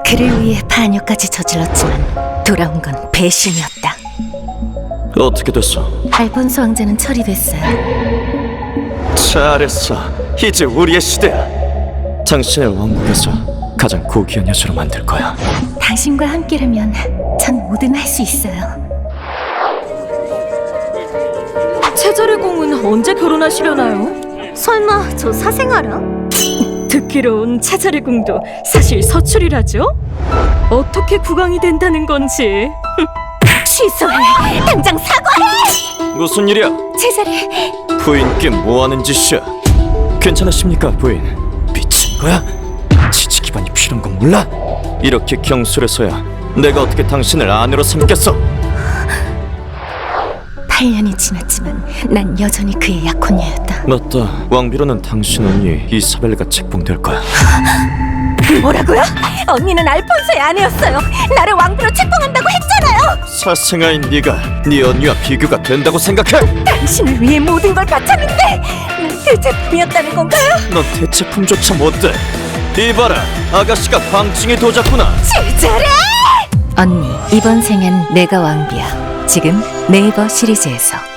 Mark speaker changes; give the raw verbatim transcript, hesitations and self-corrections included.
Speaker 1: 그를 위해 반역까지 저질렀지만 돌아온 건 배신이었다.
Speaker 2: 어떻게 됐어?
Speaker 1: 알폰소 왕자는 처리됐어요.
Speaker 2: 잘했어. 이제 우리의 시대야. 당신을 왕국에서 가장 고귀한 여자로 만들 거야.
Speaker 1: 당신과 함께라면 전 뭐든 할 수 있어요.
Speaker 3: 채자의 공은 언제 결혼하시려나요?
Speaker 1: 설마 저 사생아라?
Speaker 3: 듣기론 채자의 공도 사실 서출이라죠? 어떻게 국왕이 된다는 건지.
Speaker 1: 취소해! 당장 사과해!
Speaker 2: 무슨 일이야?
Speaker 1: 제자리
Speaker 2: 부인께 뭐하는 짓이야? 괜찮으십니까, 부인? 미친 거야? 지지 기반이 필요한 건 몰라? 이렇게 경솔해서야 내가 어떻게 당신을 아내로 삼겠어?
Speaker 1: 팔 년이 지났지만 난 여전히 그의 약혼녀였다.
Speaker 2: 맞다. 왕비로는 당신 언니 이사벨가 책봉될 거야.
Speaker 1: 뭐라고요? 언니는 알폰소의 아내였어요. 나를 왕비로 책봉한다고 했잖아요.
Speaker 2: 사생아인 네가 네 언니와 비교가 된다고 생각해?
Speaker 1: 당신을 위해 모든 걸 바쳤는데 난 대체품이었다는 건가요?
Speaker 2: 넌 대체품조차 못돼. 이봐라, 아가씨가 광증이 도졌구나.
Speaker 1: 제자리! 언니, 이번 생엔 내가 왕비야. 지금 네이버 시리즈에서.